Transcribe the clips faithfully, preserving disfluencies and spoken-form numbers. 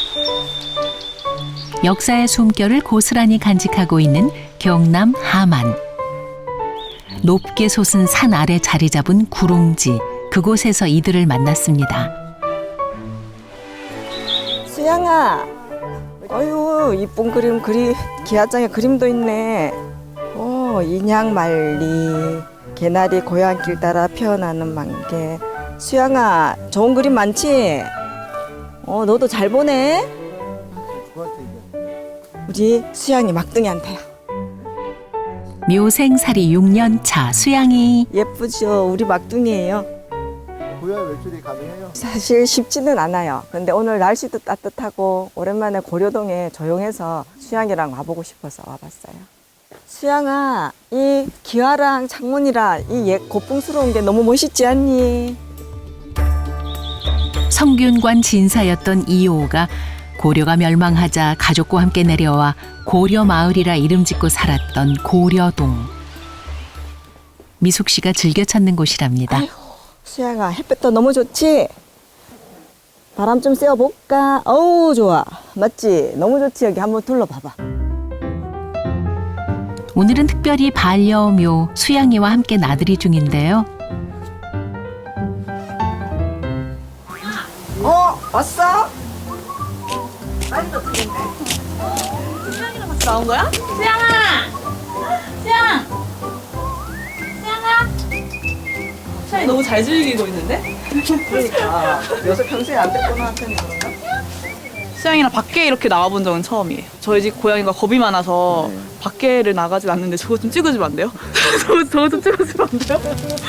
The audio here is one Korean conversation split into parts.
역사의 숨결을 고스란히 간직하고 있는 경남 함안. 높게 솟은 산 아래 자리 잡은 구롱지, 그곳에서 이들을 만났습니다. 수양아, 어유 이쁜 그림, 그리 기아장에 그림도 있네. 오, 인양말리, 개나리 고향길 따라 피어나는 만개. 수양아, 좋은 그림 많지? 어, 너도 잘 보네. 우리 수양이 막둥이한테요. 묘생살이 육 년 차 수양이. 예쁘죠? 우리 막둥이에요. 고향 외출이 가능해요? 사실 쉽지는 않아요. 근데 오늘 날씨도 따뜻하고 오랜만에 고려동에 조용해서 수양이랑 와보고 싶어서 와봤어요. 수양아, 이 기와랑 창문이랑 이 옛 고풍스러운 게 너무 멋있지 않니? 성균관 진사였던 이호가 고려가 멸망하자 가족과 함께 내려와 고려마을이라 이름 짓고 살았던 고려동. 미숙 씨가 즐겨 찾는 곳이랍니다. 아이고, 수양아, 햇볕도 너무 좋지? 바람 좀 쐬어볼까? 어우, 좋아. 맞지? 너무 좋지? 여기 한번 둘러봐봐. 오늘은 특별히 반려묘 수양이와 함께 나들이 중인데요. 어, 왔어? 빨리도 들린대. 수양이랑 같이 나온 거야? 수양아! 수양! 수양아! 수양이 너무 잘 즐기고 있는데? 그러니까. 요새 평소에 안 뺐구나 한테는 그런가? 수양이랑 밖에 이렇게 나와본 적은 처음이에요. 저희 집 고양이가 겁이 많아서 네. 밖에를 나가진 않는데 저거 좀 찍어주면 안 돼요? 저거, 저거 좀 찍어주면 안 돼요?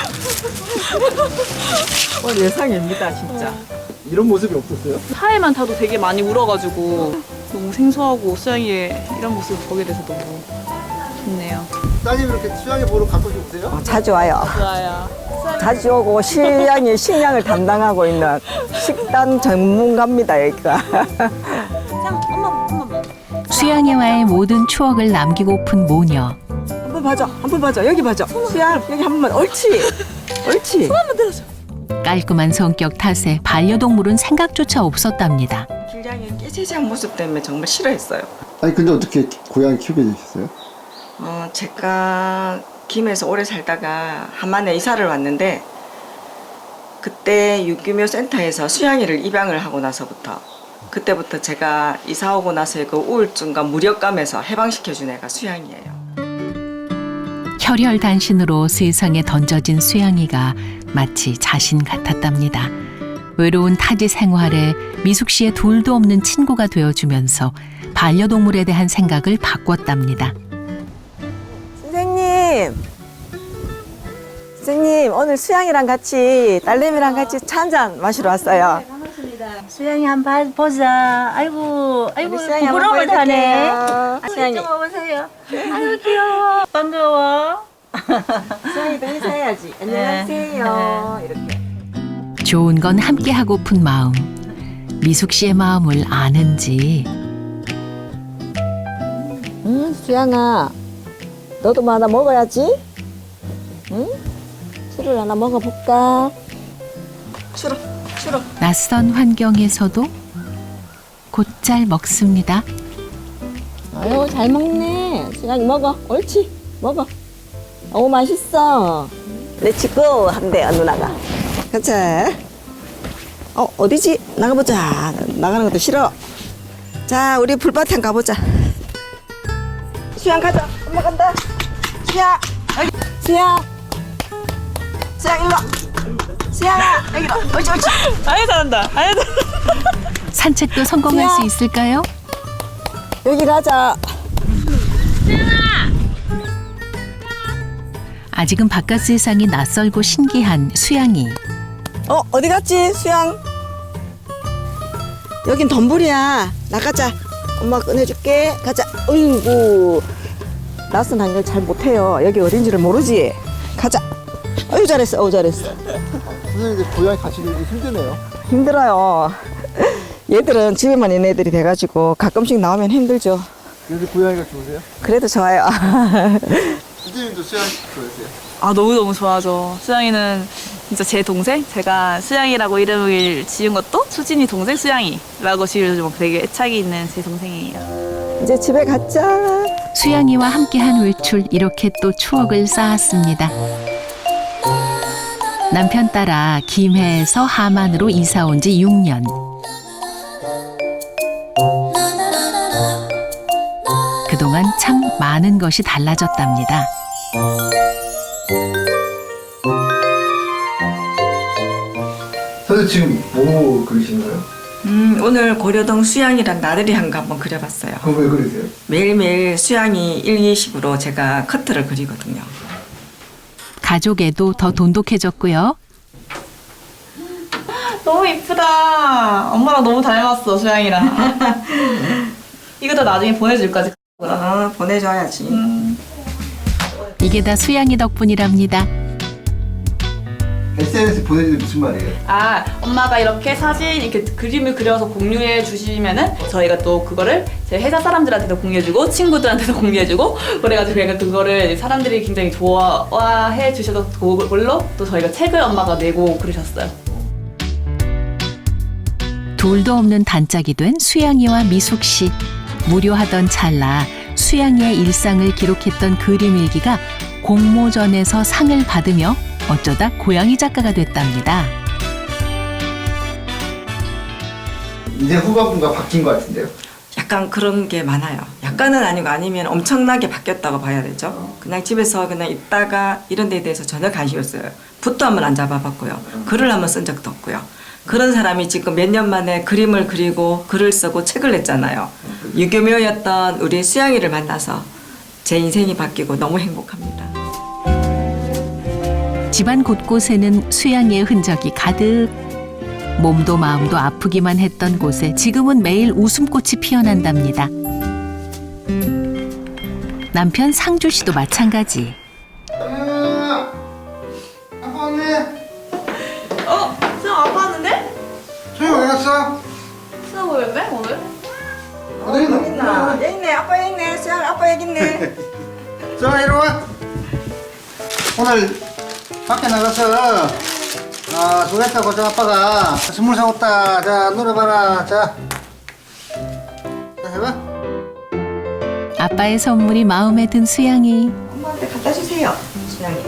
어, 예상입니다, 진짜. 이런 모습이 없었어요? 차에만 타도 되게 많이 울어가지고 너무 생소하고 수양이의 이런 모습을 보게 돼서 너무 좋네요. 따님 이렇게 수양이 보러 가끔씩 오세요? 어, 자주 와요. 좋아요. 자주 오고 실양이 식량을 담당하고 있는 식단 전문가입니다, 여기가. 수양, 엄마, 엄마. 수양이와의 모든 추억을 남기고픈 모녀. 한번 봐줘, 한번 봐줘, 여기 봐줘. 수양, 여기 한 번만. 옳지, 옳지. 한번 들어줘. 깔끔한 성격 탓에 반려동물은 생각조차 없었답니다. 실양이 깨재재한 모습 때문에 정말 싫어했어요. 아니 근데 어떻게 고양이 키우게 되셨어요? 어, 제가 김해에서 오래 살다가 함안에 이사를 왔는데 그때 유기묘 센터에서 수양이를 입양을 하고 나서부터 그때부터 제가 이사 오고 나서의 그 우울증과 무력감에서 해방시켜준 애가 수양이에요. 혈혈단신으로 세상에 던져진 수양이가 마치 자신 같았답니다. 외로운 타지 생활에 미숙 씨의 둘도 없는 친구가 되어주면서 반려동물에 대한 생각을 바꿨답니다. 선생님, 선생님 오늘 수양이랑 같이 딸내미랑 같이 차 한잔 마시러 왔어요. 수양이 한번 보자. 아이고, 아이고, 우리 수양이 한번 부끄러움을 타네. 보여드릴게요. 아이고, 수양이. 좀 와보세요. 아이고, 귀여워. 반가워. 수양이도 인사해야지. 안녕하세요. 이렇게. 좋은 건 함께 하고픈 마음. 미숙 씨의 마음을 아는지. 응, 수양아, 너도 뭐 하나 먹어야지. 응? 술을 하나 먹어볼까? 술어, 술어. 낯선 환경에서도 곧잘 먹습니다. 아유, 잘 먹네. 수양이 먹어. 옳지, 먹어. 오, 맛있어. 렛츠고 한대요, 누나가. 가자. 어, 어디지? 나가보자. 나가는 것도 싫어. 자, 우리 불밭에 가보자. 수양 가자. 엄마 간다. 수양. 여기. 수양. 수양 일로 와. 수양아, 여기로. 옳지, 옳지. 아유, 잘한다. 아유, 잘한다. 산책도 성공할 수양. 수 있을까요? 여기 가자. 아직은 바깥 세상이 낯설고 신기한 수양이. 어, 어디 갔지, 수양? 여긴 덤불이야. 나가자. 엄마 꺼내줄게. 가자. 어이구. 낯선 한걸 잘 못해요. 여기 어딘지를 모르지. 가자. 어유 잘했어. 어우 잘했어. 선생님들 고양이 같이 놀기 힘드네요. 힘들어요. 얘들은 집에만 있는 애들이 돼가지고 가끔씩 나오면 힘들죠. 그래서 고양이가 좋으세요? 그래도 좋아요. 선생님도 수양 좋으세요? 아, 너무너무 좋아하죠. 수양이는 진짜 제 동생? 제가 수양이라고 이름을 지은 것도 수진이 동생 수양이라고 지어주면 되게 애착이 있는 제 동생이에요. 이제 집에 가자. 수양이와 함께한 외출 이렇게 또 추억을 쌓았습니다. 남편 따라 김해에서 함안으로 이사 온 지 육 년. 그동안 참 많은 것이 달라졌답니다. 선생님 지금 뭐 그리시는 거예요? 음, 오늘 고려동 수양이란 나들이 한 거 한번 그려봤어요. 그거 왜 그리세요? 매일매일 수양이 일, 이식으로 제가 커트를 그리거든요. 가족에도 더 돈독해졌고요. 너무 이쁘다. 엄마랑 너무 닮았어, 수양이랑. 이거 다 나중에 보내줄까지. 어, 보내줘야지. 음. 이게 다 수양이 덕분이랍니다. 에스엔에스 보내주는 무슨 말이에요? 아, 엄마가 이렇게 사진, 이렇게 그림을 그려서 공유해 주시면은 저희가 또 그거를 제 회사 사람들한테도 공유해주고 친구들한테도 공유해주고 그래가지고 제가 그거를 사람들이 굉장히 좋아해 주셔서 그걸로 또 저희가 책을 엄마가 내고 그러셨어요. 둘도 없는 단짝이 된 수양이와 미숙 씨. 무료하던 찰나 수양이의 일상을 기록했던 그림 일기가 공모전에서 상을 받으며 어쩌다 고양이 작가가 됐답니다. 이제 후반부가 바뀐 것 같은데요? 약간 그런 게 많아요. 약간은 아니고 아니면 엄청나게 바뀌었다고 봐야 되죠. 그냥 집에서 그냥 있다가 이런 데에 대해서 전혀 관심이 없어요. 붓도 한번 안 잡아봤고요. 글을 한번 쓴 적도 없고요. 그런 사람이 지금 몇 년 만에 그림을 그리고 글을 쓰고 책을 냈잖아요. 유교묘였던 우리 수양이를 만나서 제 인생이 바뀌고 너무 행복합니다. 집안 곳곳에는 수양이의 흔적이 가득. 몸도 마음도 아프기만 했던 곳에 지금은 매일 웃음꽃이 피어난답니다. 남편 상주 씨도 마찬가지. 아, 아빠 왔네. 어? 수양 아빠 왔는데? 소영 어디 갔어? 수양 보였네, 오늘? 어디 있노? 있나? 여기 있네. 아빠 여기 있네. 수양 아빠 여기 있네. 소영 이리 와. 오늘 밖에 나가서 아, 수고했다 고정 아빠가 선물 사왔다. 자, 노래 봐라. 자, 자 해봐. 아빠의 선물이 마음에 든 수양이. 엄마한테 갖다 주세요. 수양이.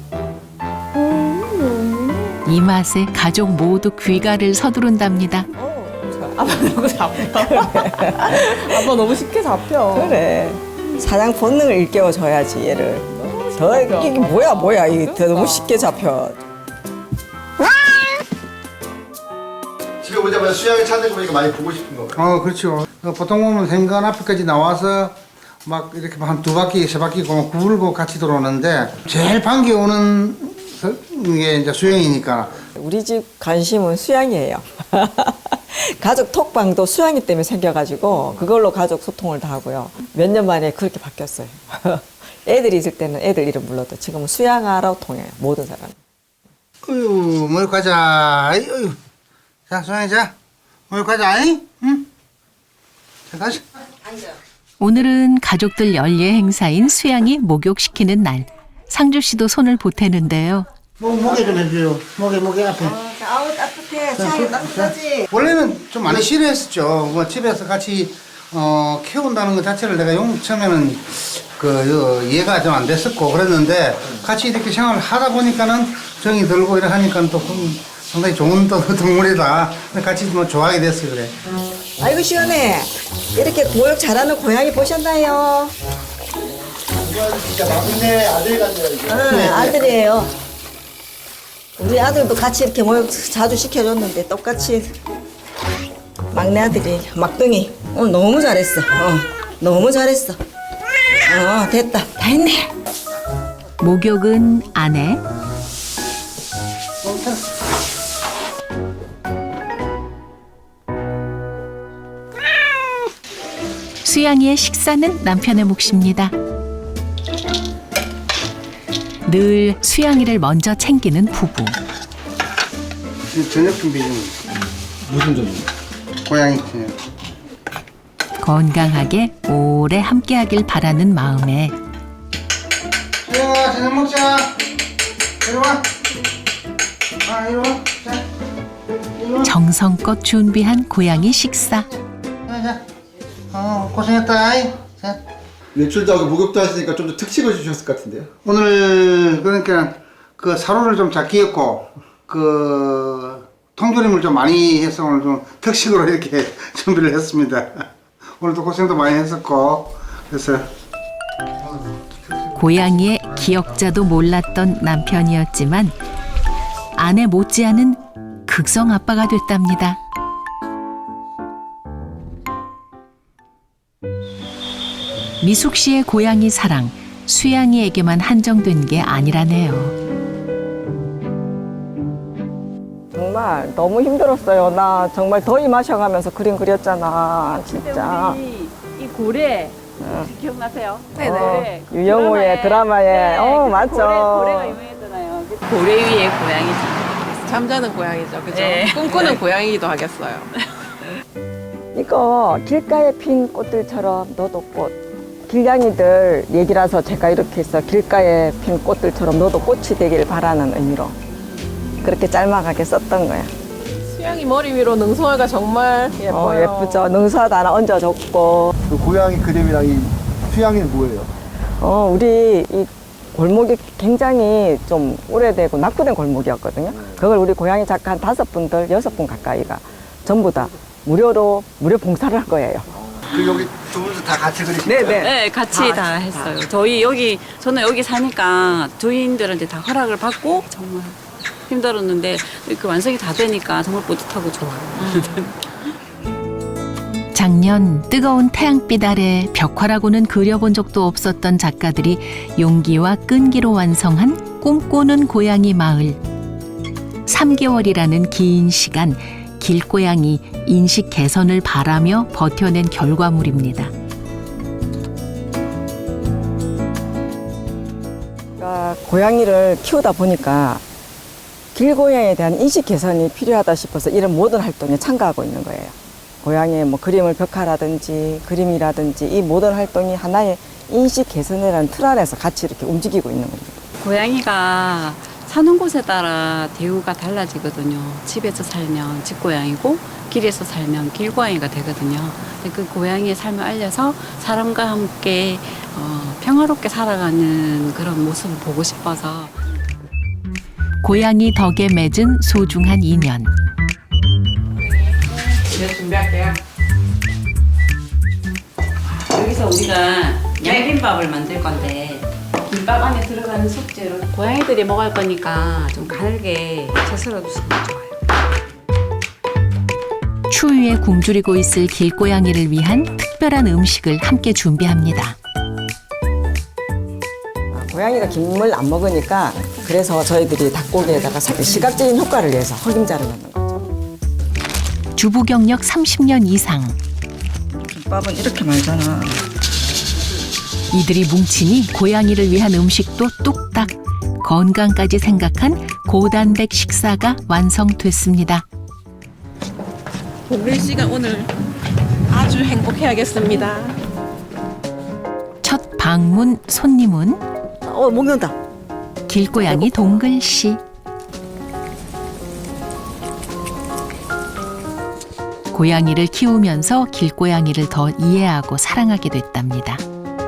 이 맛에 가족 모두 귀가를 서두른답니다. 아빠 너무 잡혀. 아빠 너무 쉽게 잡혀. 그래. 사냥 본능을 일깨워줘야지 얘를. 더 이게 뭐야 뭐야 이게 더 너무 쉽게 잡혀. 집에 오자마자 수영이 찾는 거 보니까 많이 보고 싶은 거 같아요. 어, 그렇죠. 어, 보통 보면 생관 앞에까지 나와서 막 이렇게 한 두 바퀴, 세 바퀴 굴고 같이 들어오는데 제일 반겨오는 게 이제 수영이니까. 우리 집 관심은 수양이에요. 가족 톡방도 수양이 때문에 생겨가지고 그걸로 가족 소통을 다 하고요. 몇 년 만에 그렇게 바뀌었어요. 애들이 있을 때는 애들 이름 불러도 지금은 수양아라고 통해요. 모든 사람. 어휴, 뭘 가자. 어휴. 자, 수영이 자. 뭘 가자. 응? 자, 가자. 오늘은 가족들 연례 행사인 수양이 목욕시키는 날. 상주 씨도 손을 보태는데요. 목, 목에 좀 해줘요. 목에, 목에 앞에. 아우 따뜻해. 수양이 따뜻하지. 원래는 좀 많이 싫어했었죠. 뭐 집에서 같이 어, 키운다는 것 자체를 내가 용 처음에는 그 요, 이해가 좀 안 됐었고 그랬는데 같이 이렇게 생활을 하다 보니까는 정이 들고 이렇게 하니까 또 음, 상당히 좋은 또 동물이다. 같이 뭐 좋아하게 됐어 그래. 아이고 시원해. 이렇게 목욕 잘하는 고양이 보셨나요? 진짜 막내 아들 같네요, 이게. 응, 아들이에요. 우리 아들도 같이 이렇게 목욕 자주 시켜줬는데 똑같이 막내 아들이 막둥이 오늘 너무 잘했어. 어, 너무 잘했어. 어, 됐다. 다 했네. 목욕은 아내, 수양이의 식사는 남편의 몫입니다. 늘 수양이를 먼저 챙기는 부부. 지금 저녁 준비 중. 무슨 점이요? 고양이 저녁. 건강하게 오래 함께하길 바라는 마음에 수영아 저녁 먹자. 이리 와. 아, 이리 와. 자, 이리 와. 정성껏 준비한 고양이 식사. 자, 자. 어, 고생했다. 아이. 자. 외출도 하고 목욕도 하시니까 좀 더 특식을 주셨을 것 같은데요. 오늘 그러니까 그 사료를 좀 작게 했고 그 통조림을 좀 많이 해서 오늘 좀 특식으로 이렇게 준비를 했습니다. 오늘도 고생도 많이 했었고 그래서 고양이의 기억자도 몰랐던 남편이었지만 아내 못지않은 극성 아빠가 됐답니다. 미숙 씨의 고양이 사랑, 수양이에게만 한정된 게 아니라네요. 정말 너무 힘들었어요. 나 정말 더위 마셔가면서 그림 그렸잖아. 진짜. 우리 이 고래 응. 기억나세요? 어, 유영호의 드라마에. 어, 맞죠. 고래, 고래가 유명했잖아요. 고래 위의 고양이지. 잠자는 고양이죠, 그죠? 네. 꿈꾸는 고양이기도 하겠어요. 이거 길가에 핀 꽃들처럼 너도 꽃. 길냥이들 얘기라서 제가 이렇게 해서 길가에 핀 꽃들처럼 너도 꽃이 되길 바라는 의미로 그렇게 짤막하게 썼던 거야. 수양이 머리 위로 능송이가 정말 예뻐요. 어, 예쁘죠. 능수화도 하나 얹어줬고. 그 고양이 그림이랑 이 수양이는 뭐예요? 어, 우리 이 골목이 굉장히 좀 오래되고 낙후된 골목이었거든요. 그걸 우리 고양이 작가 한 다섯 분들, 여섯 분 가까이가 전부 다 무료로, 무료 봉사를 할 거예요. 그 여기 두 분도 다 같이 그리신 네네. 거예요? 네, 같이 다, 했어요. 저희 여기, 저는 여기 사니까 주인들한테 다 허락을 받고 정말 힘들었는데 그 완성이 다 되니까 정말 뿌듯하고 좋아요. 작년 뜨거운 태양빛 아래 벽화라고는 그려본 적도 없었던 작가들이 용기와 끈기로 완성한 꿈꾸는 고양이 마을. 삼 개월이라는 긴 시간 길고양이 인식 개선을 바라며 버텨낸 결과물입니다. 그러니까 고양이를 키우다 보니까 길고양이에 대한 인식 개선이 필요하다 싶어서 이런 모든 활동에 참가하고 있는 거예요. 고양이의 뭐 그림을 벽화라든지 그림이라든지 이 모든 활동이 하나의 인식 개선이라는 틀 안에서 같이 이렇게 움직이고 있는 겁니다. 고양이가 사는 곳에 따라 대우가 달라지거든요. 집에서 살면 집고양이고 길에서 살면 길고양이가 되거든요. 근데 그 고양이의 삶을 알려서 사람과 함께 어, 평화롭게 살아가는 그런 모습을 보고 싶어서 고양이 덕에 맺은 소중한 인연. 이제 준비할게요. 여기서 우리가 양김밥을 만들 건데 김밥 안에 들어가는 숙제로 고양이들이 먹을 거니까 좀 가늘게 채썰어 주시면 좋아요. 추위에 굶주리고 있을 길고양이를 위한 특별한 음식을 함께 준비합니다. 고양이가 김을 안 먹으니까 그래서 저희들이 닭고기에다가 시각적인 효과를 위해서 흑임자를 넣는 거죠. 주부 경력 삼십 년 이상. 김밥은 이렇게 말잖아. 이들이 뭉치니 고양이를 위한 음식도 뚝딱. 건강까지 생각한 고단백 식사가 완성됐습니다. 우리 시간 오늘 아주 행복해야겠습니다. 첫 방문 손님은 어, 먹는다. 길고양이 동글 씨. 고양이를 키우면서 길고양이를 더 이해하고 사랑하게 됐답니다.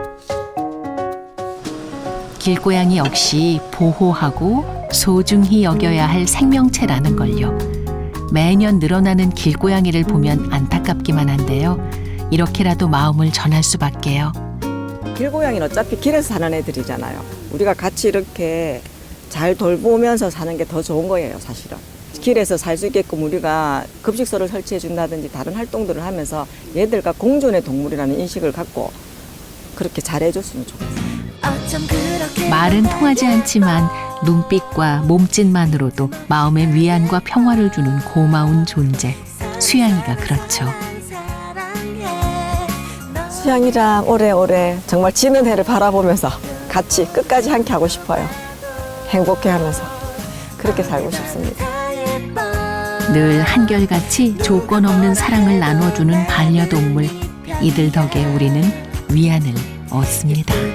길고양이 역시 보호하고 소중히 여겨야 할 생명체라는 걸요. 매년 늘어나는 길고양이를 보면 안타깝기만 한데요. 이렇게라도 마음을 전할 수밖에요. 길고양이는 어차피 길에서 사는 애들이잖아요. 우리가 같이 이렇게 잘 돌보면서 사는 게 더 좋은 거예요, 사실은. 길에서 살 수 있게끔 우리가 급식소를 설치해 준다든지 다른 활동들을 하면서 얘들과 공존의 동물이라는 인식을 갖고 그렇게 잘해줬으면 좋겠어요. 말은 통하지 않지만 눈빛과 몸짓만으로도 마음의 위안과 평화를 주는 고마운 존재. 수양이가 그렇죠. 수양이랑 오래오래 정말 지는 해를 바라보면서 같이 끝까지 함께 하고 싶어요. 행복해하면서 그렇게 살고 싶습니다. 늘 한결같이 조건 없는 사랑을 나눠주는 반려동물. 이들 덕에 우리는 위안을 얻습니다.